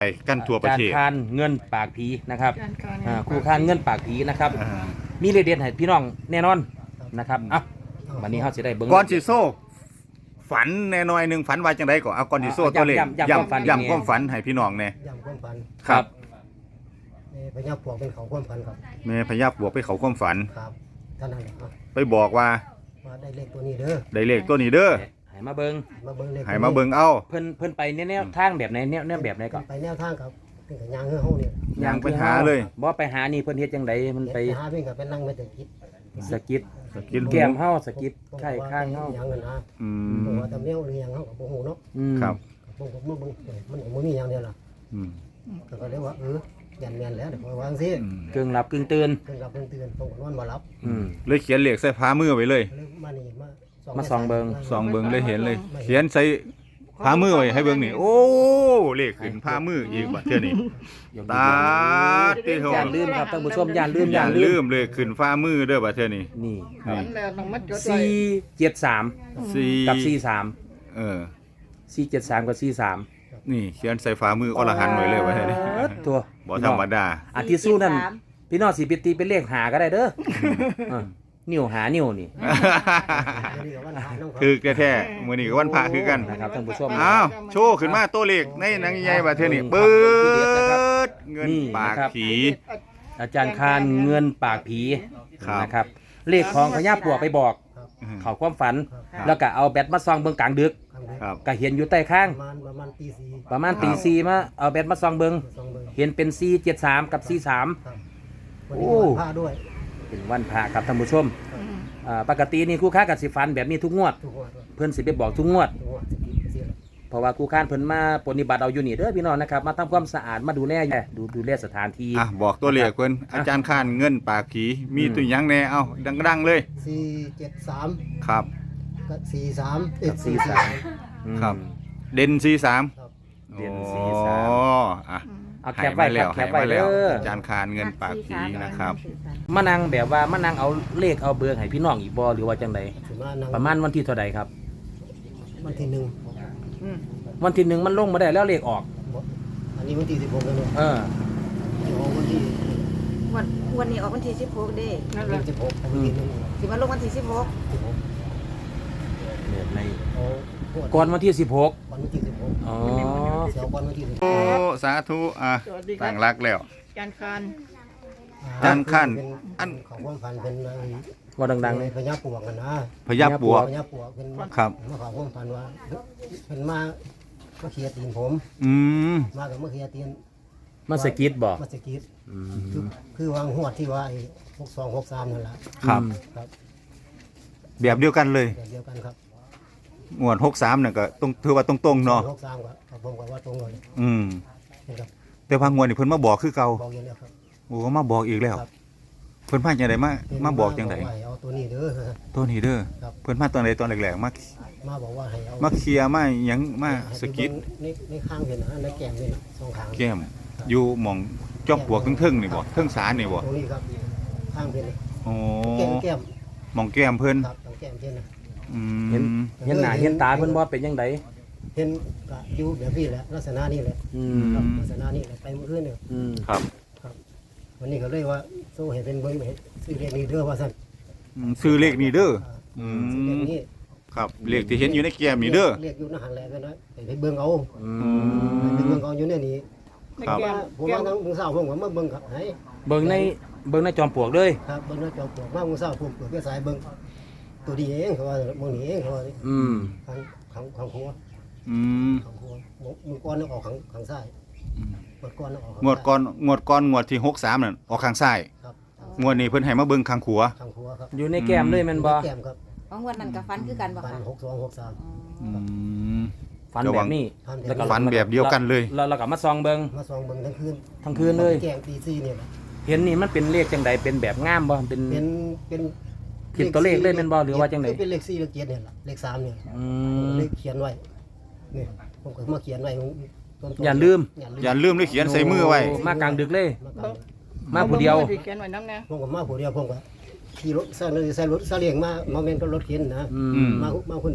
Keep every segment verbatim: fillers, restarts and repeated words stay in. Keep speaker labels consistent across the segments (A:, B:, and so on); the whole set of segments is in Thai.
A: ไปกันทั่วประเทศ
B: การคานเงินปากผีนะครับอ่าครูคานเงินปากผีนะครับ
A: อ่า
B: มีเรเดียนให้พี่น้องแน่นอนนะครับอ่ะวันนี้เขาจะได้เบิ้ง
A: ก่อนสิโซ่ฝันแน่น้อยหนึงฝันว่าจังไดก่อนเอาก่อนสิโซ่ตัวเลข
B: ย้ำย้ำย้ำความฝัน
A: ย้ำความฝันให้พี่น้องแน่
C: ย่ำความฝัน
A: ครับ
C: ในพญาปวกเป็นเขาความฝันครับ
A: แม่พญาบวกไปเขาความฝัน
C: ครับท่านนั่นแหละครับ
A: ไปบอกว่า
C: ว่าได้เลขตัวนี้เด้อ
A: ได้เลขตัวนี้เด้อ
B: ให้มาเบิ้ง
C: มาเบิ่งเลข
A: ให้มาเบิ่งเอา
B: เพิ่นเพิ่นไปแนวๆทางแบบไหนแนวแนวแบบไหนก่อน
C: ไปแนวทางครับเป็นกับยางเฮือเฮาเนี่ย
A: ย่างไปหาเลย
B: บ่ไปหานี่เพิ่นเฮ็ดจังไดมันไป
C: หาเพิ่นก็ไปนั่งไม่แต่คิด
B: สะกิด
A: สกิน
B: แก้มเฮาสะกิดไข่ข้างเฮา
C: อย่างเงินนะ
A: อื
C: ผม
A: ม
C: ว่าตำเนียวหรือหยังเฮาก็บ่ฮู้เนาะ
B: อืม
A: ครับ
C: ผมก็บ่เบิ่งมันบ่มีอย่างเดียวล่ะ
A: อืม
C: ก็ก็เลยว่าเออแม่นๆแล้วเดี๋ยววางซิ
A: อืม
B: กึ่งหลับกึ่งตื่น
C: เพิ่นรับเพิ่นเตือนผมก็นอนบ่หลับ
B: อืม
A: เลยเขียนเลขใส่ฟ้ามือไว้เลย
C: เลยมานี่มา
B: มาส่องเบิ่ง
A: สองเบิ่งเลยเห็นเลย เขียนใส่ผ้ามือไว้ให้เบิ่งนี่โอ้เลขขึ้นผ้ามืออีกบัดเทื่อนี้ตาติโห
B: อย่าลืมครับท่านผู้ชมอย่าลืม
A: อ
B: อย่า
A: ย่า
B: ลื
A: ลื
B: ม
A: มเลยขึ้นฟ้ามือเด้อบัดเทื่อนี้
B: นี่
A: นี่
D: แล้วต้องมาจดไว้
B: สี่เจ็ดสาม
A: สี่
B: กับสี่สาม
A: เออ
B: สี่เจ็ดสามกับสี่สาม
A: นี่เขียนใส่ฟ้ามืออรหันต์ไว้เลยบัดเทื่อนี้
B: ตัว
A: บ่ธรรมดา
B: อาทิตย์สู้นั่นพี่น้องสิไปตีเป็นเลขหาก็ได้เด้อเออนิ้วหานิ้วนี่
C: อันนี้ก็วันพระน้องครับ
A: คือแท้ๆมื้อนี้ก็วันพระคือกัน
B: นะครับท่านผู้ชม
A: อ้าวโชว์ขึ้นมาตัวเลขในหนังใหญ่บัดเทื่อนี้เปิดเงินปากผี
B: อาจารย์คานเงินปากผี
A: ครับ
B: นะครับ เลขของพญาปลวกไปบอก เขาความฝัน แล้วก็เอาแบตมาซองเบิ่งกลางดึก
A: ครับ
B: ก็เห็นอยู่ใต้ข้าง
C: ประมาณประมาณตีสี่
B: ประมาณตีสี่มาเอาแบตมาซองเบิ่ง
C: สองเบิ่ง
B: เห็นเป็นสี่เจ็ดสามกับสี่สาม
C: ครับวันนี้วันพระด้วย
B: เป็นวันพระครับท่านผู้ชมอ่าปกตินี่คู่ค้ากับสิฟันแบบนี้ทุกงวด
C: ทุกวัน
B: เพิ่นสิไปบอกทุกงวด
C: ทุกวันเสีย
B: เพราะว่าคู่ค้านเพิ่นมาปฏิบัติเอาอยู่นี่เด้อพี่น้องนะครับมาทำความสะอาดมาดูแลอยู่ดูดูแลสถานที่
A: อ่ะบอกตัวเลขเพิ่นอาจารย์ข้านเงินปากผีมีตัวหยังแน่เอ้าดังๆเลย
C: สี่เจ็ดสาม
A: ครับ
C: กับสี่สาม
B: กับสี่สามอืม
A: ครับ เด่นสี่สาม
C: ครับ
B: เด่นสี่สาม
A: อ๋ออ่ะ
B: เอาแค
A: ให้
B: ปไว้
A: มา
B: ค
A: แล้
B: รับ
A: ว
B: แค
A: ให้
B: ปไว้
A: มา
B: เด้
A: แล้ว
B: อ
A: อาจารย์ข้านเงินปากผีนะครับ
B: มานั่งแบบว่ามานั่งเอาเลขเอาเบอร์ให้พี่น้องอีกบ่หรือว่าจังได
C: ถือว่านั่ง
B: ประมาณวันที่เท่าใดครับ
C: วันที่หนึ่ง
B: วันที่หนึ่งมันลงมาได้แล้วเลขออก
C: อันนี้วันที่สิบหกแล้วเนาะ
B: เออ
C: เดี๋ยววันที่
E: วันวันนี้ออกวันที่สิบหกเด้
D: นั่นแห
C: วั
D: ละ
C: นสิบหกวันที่หนึ่ง
E: สิมาลงวันที่สิบหก
C: สิบหก
B: เนี่ยใน
C: เอาพว
B: ก่อนวันที่สิบหก
C: วันที่สิบหก
B: อ๋อ
C: เดี๋ยววันที่สิบห
A: โอ้
C: ก
A: สาธุอ่ะ
D: สวัสดีครั
A: ตั้
D: บ
A: งรักแล้ว
D: อาจารย์คาน
A: จานขั้นอั
C: อั
A: น
C: นของความฝันเป็นอะไร
B: ว่าดังๆ
C: ใน
B: เลย
C: พญาปวกกันนะ
A: พยับปวก
C: พญาปวกเป็น
A: ครับ
C: มาขอความฝันว่าเป็นมามาเคลียร์ตีนผม
A: อืม
C: มากับมาเคลียร์ตีน
B: มาสะกิดบ่
C: มาสกีด
B: อื
C: คือ
B: ม
C: คือวางหวดที่ว่าไอ้หกสองหกสามนั่นแหละ
A: ครับ
C: ครับ
A: แบบเดียวกันเลย
C: แบบเดียวกันครับ
A: งวดหกสามเนี่ยก็ตรงถือว่าตรงๆเนาะ
C: หกสามกับผมกับว่าตรงเลย
A: อืม
C: นะครับ
A: แต่พางวดนี่เพิ่นมาบอกคือเก่า
C: บอกอย่างเดียวครับ
A: โอ้มาบอกอีกแล้ว
C: ครับ
A: เพิ่นมาจังไดมามาบอกจังได
C: ว่าให้เอาตัวนี้เด้อ
A: ตัวนี้เด้อ
C: ครับ
A: เพิ่นมาตอนใดตอนแรกๆมา
C: มาบอกว่าให้เอา
A: มาเคลียร์มาหยังมาสะกิด
C: ในในข้างเป็นนะในแก้มเป็นสองข้าง
A: แก้มอยู่หม่องจอมปลวกทึ่งๆนี่บ่เทิงศาลนี่บ่
C: ตรงนี้ครับข้างเป็น
A: โอ้
C: แก้มแก้ม
A: หม่องแก้มเพิ่น
C: ครับตรงแก้มเช่นนะ
A: อื
B: เห็น
A: ม
B: เห็นหน้าเห็นตาเพิ่นบ่เป็นจังได
C: เห็นก็อยู่แบบนี้แหละลักษณะนี้แหละ
B: อื
A: ม
C: ครับ
B: ม
C: ลักษณะนี้แหละไปเมื่อคืนเนี่ย
B: อืม
A: ครับ
C: วันนี้ก็เลยว่าโซ่เห็นเป็นเบิ้งเห็นซื้อเลขนี้เด้อว่าสั่น
A: อืมซื้อเลขนี้เด้ออื
C: ซื้อเลข
A: ม
C: นี้
A: ครับเลขที่เห็นอยู่ในแก้มนี่เด้อ
C: เรียกอยู่ในหันแหละกันนะไปเบิ้งเอา
B: อื
A: อื
B: ม
C: ไป
A: ม
C: เบิ้งเอาอยู่เนี่ยนี่
D: ใน
A: ครับ
D: แก้ม
C: ผม
D: แก้
C: ว่าม ทั้งมือเศร้าผมก็มาเบิ้งครับไหน
B: เบิ่งในเบิ่งในจอมปลวกเลย
C: ครับเบิ้งในจอมปลวกมามือเศร้าผมเปิดแค่สายเบิ้งตัวดีเองเขาว่ามือนี้เองเขาว่า
B: อืม
C: ขังขังขังหัว
A: อืม
C: ขังหัวมือก้อนนึกออกขังขังซ้ายมือก้อนนึกออก
A: งวดก่อนงวดก่อนงวดที่หกสามนั่นออกข้างซ้าย
C: ครับ
A: งวดนี้เพิ่นให้มาเบิ่งข้างขวา
C: ขังหัวครับ
B: อยู่ในแก้มเลยแม่นบ่
C: แก้มครับ
E: บางวันนั้นกับฟันคือกันบ่
C: ปัน
E: ค่ะ
C: หกสองหกสาม
A: อืม
B: ฟันแบบนี้ แล้วก็
A: ฟันแบบเดียวกันเลย
B: แล้วเราก็มาซองเบิ่ง
C: มาส่องเบิ้งทั้งคืน
B: ทั้งคืนเลย
C: แก้มตีซีเนี่ยแหละ
B: เห็นนี่มันเป็นเลขจังใดเป็นแบบงามบ่เป็น
C: เป็นเป็น
B: ผิดตัวเลขเลยแม่นบ่หรือว่าจังได
C: เป็นเลขสี่เลขเจ็ดเนี่ยแหละเลขสามเนี่ย
B: อืม
C: เลขเขียนไว้นี่ผมก็มาเขียนไว้ต้นๆ
B: อย่าลืม
A: อย่าลืมเลยเขียนใส่มือไว้
B: โมากลางดึกเลย
C: มากลาง
B: มาผู้เดียว
D: ที่เขียนไว้น้ำแน่
C: ผมก็มาผู้เดียวผมก็ขี่รถใส่รถใส่รถซาเลียงมามาเมนก็รถเข็นนะ
B: อื
A: อื
B: ม
A: ม
C: มามาคนเดียว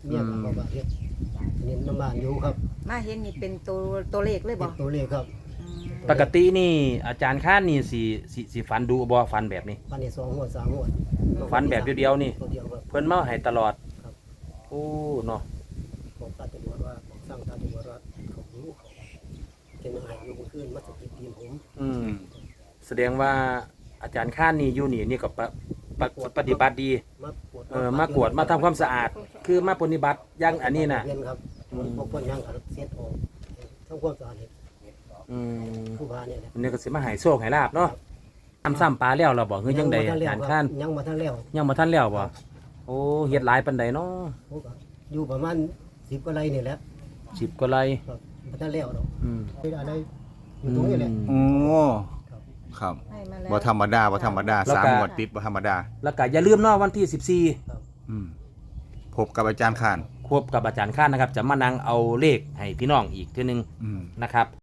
C: เมียก็บอกว่าเฮ็ดนี่น้ำบ้านอยู่ครับ
E: มาเห็นนี่เป็นตัวตัวเลขเลย
C: เป็
E: บ่
C: นตัวเลขครับ
E: อืม
B: ปกตินี่อาจารย์ข้านนี่สิสิสิฟันดูบ่ฟันแบบนี้
C: ฟันนี่สองหัวสามหัว
B: ฟันแบบเดียวๆนี่
C: ตัวเดียวครับ
B: เพิ่นมาให้ตลอด
C: ครับ
B: โอ้เนาะ
C: ผมตาตำรวจว่าผมสั่งตาตำรวจว่าเขารู้เขาเป็นยังไงอยู่บนขึ้นมาสะกิดตีนผม
B: อืมแสดงว่าอาจารย์ข้านนี่อยู่นี่นี่ก็ปะปะปฏิบัติดี
C: มาปวด
B: เออมากวดมาทำความสะอาด คือมาปฏิบัติอย่างอันนี้น่ะ
C: เรียนครับ
B: อืม
C: พวกคนยังขัดเสียดออกทำความสะอาดเห็ด
B: อืม
C: ผู้พาเนี่ยแหละ
B: อันนี้ก็สิมาให้โชคให้ลาบเนาะทำซ้ำปลาแล้วเราบอกเฮ้ยจังใดอาจารย์ข้าน
C: ยังมาทั้งแล้ว
B: ยังบ่ทันแล้วบ่โอ้เฮ็ดหลายปานใดเนาะ
C: ผมก็อยู่ประมาณสิบกว่าไร่นี่แหละ
B: สิบกว่าไร่
C: ครับมาทั้งแล้วเนาะ
B: อืม
C: ไม่ได้อะไรอยู่ตรงนี้แหละ
A: โอ้ครับ
E: ให้มาแล้ว
A: บ่ธรรมดาบ่ธรรมดาสามงวดติดบ่ธรรมดา
B: แล้วก็อย่าลืมเนาะวันที่สิบสี่
A: อืมพบกับอาจารย์ข่าน
B: ควบกับอาจารย์ข้านนะครับ จะมานั่งเอาเลขให้พี่น้องอีกเทีนึง
A: อืม
B: นะครับ